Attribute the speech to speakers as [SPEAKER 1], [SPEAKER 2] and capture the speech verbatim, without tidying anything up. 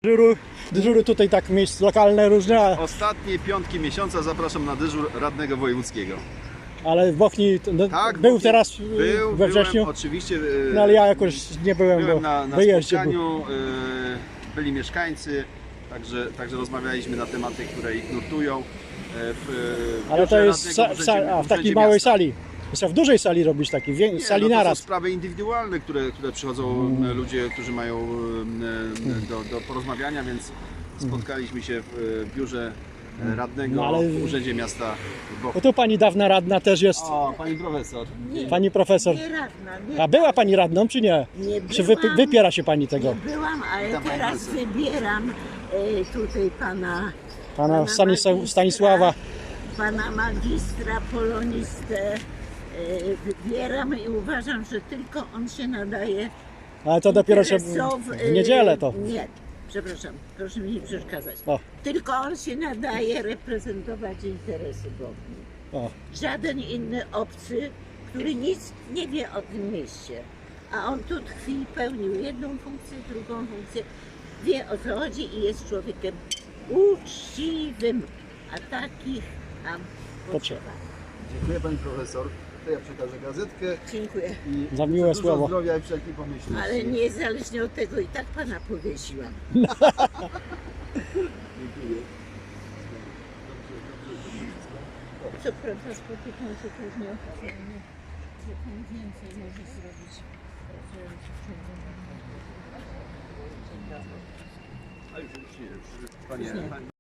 [SPEAKER 1] Dyżuru, dyżury tutaj tak miejsc lokalne różne,
[SPEAKER 2] Ostatnie piątki miesiąca zapraszam na dyżur radnego wojewódzkiego.
[SPEAKER 1] ale w Bochni no,
[SPEAKER 2] Tak,
[SPEAKER 1] był
[SPEAKER 2] Bochni-
[SPEAKER 1] teraz
[SPEAKER 2] Był,
[SPEAKER 1] we wrześniu,
[SPEAKER 2] byłem, oczywiście. e,
[SPEAKER 1] no ale ja jakoś nie byłem,
[SPEAKER 2] Byłem
[SPEAKER 1] bo
[SPEAKER 2] na, na
[SPEAKER 1] wyjeździe był.
[SPEAKER 2] spotkaniu, e, byli mieszkańcy, także, także rozmawialiśmy na tematy, które ich nurtują. E, w, w
[SPEAKER 1] Ale to
[SPEAKER 2] biurze
[SPEAKER 1] jest
[SPEAKER 2] radnego
[SPEAKER 1] sa,
[SPEAKER 2] w urzędzie-
[SPEAKER 1] sa, a w
[SPEAKER 2] urzędzie
[SPEAKER 1] takiej małej
[SPEAKER 2] miasta.
[SPEAKER 1] sali. Trzeba w dużej sali robić takiej, wie,
[SPEAKER 2] Nie,
[SPEAKER 1] sali
[SPEAKER 2] no to
[SPEAKER 1] naraz.
[SPEAKER 2] są sprawy indywidualne, które, które przychodzą e, ludzie, którzy mają e, do, do porozmawiania, więc spotkaliśmy się w, w biurze e, radnego
[SPEAKER 1] No, ale-
[SPEAKER 2] w urzędzie miasta w Bochni.
[SPEAKER 1] Bo tu pani dawna radna też jest,
[SPEAKER 2] O, pani profesor.
[SPEAKER 3] Nie,
[SPEAKER 1] pani profesor.
[SPEAKER 3] nie radna, nie,
[SPEAKER 1] A była pani radną czy nie?
[SPEAKER 3] nie
[SPEAKER 1] Czy wy,
[SPEAKER 3] byłam,
[SPEAKER 1] wypiera się pani tego?
[SPEAKER 3] Nie byłam, ale
[SPEAKER 2] Witam, pani
[SPEAKER 3] teraz
[SPEAKER 2] profesor.
[SPEAKER 3] wybieram e, tutaj pana,
[SPEAKER 1] Pana Stanisław,
[SPEAKER 3] magistra-
[SPEAKER 1] Stanisława.
[SPEAKER 3] pana magistra, polonistę. E, wybieram i uważam, że tylko on się nadaje
[SPEAKER 1] Ale to dopiero się
[SPEAKER 3] interesow-
[SPEAKER 1] w niedzielę to.
[SPEAKER 3] Nie, przepraszam, proszę mi nie przeszkadzać.
[SPEAKER 1] O.
[SPEAKER 3] Tylko on się nadaje reprezentować interesy Bochni.
[SPEAKER 1] O.
[SPEAKER 3] Żaden inny obcy, który nic nie wie o tym mieście. A on tu tkwi, pełnił jedną funkcję, drugą funkcję, wie o co chodzi i jest człowiekiem uczciwym. A takich nam potrzeba.
[SPEAKER 2] Dziękuję pani profesor. To ja przekażę gazetkę
[SPEAKER 3] Dziękuję.
[SPEAKER 2] i
[SPEAKER 1] Za miłe
[SPEAKER 2] dużo
[SPEAKER 1] słowo.
[SPEAKER 2] zdrowia i wszelkiej pomyślności.
[SPEAKER 3] Ale niezależnie od tego i tak pana powiesiłam.
[SPEAKER 2] Dziękuję.
[SPEAKER 3] Co prawda spotykam się też nieoficjalnie, że pan więcej może zrobić pracując w ciągu.
[SPEAKER 2] A już, już nie, już, panie,
[SPEAKER 3] Nie.
[SPEAKER 2] pani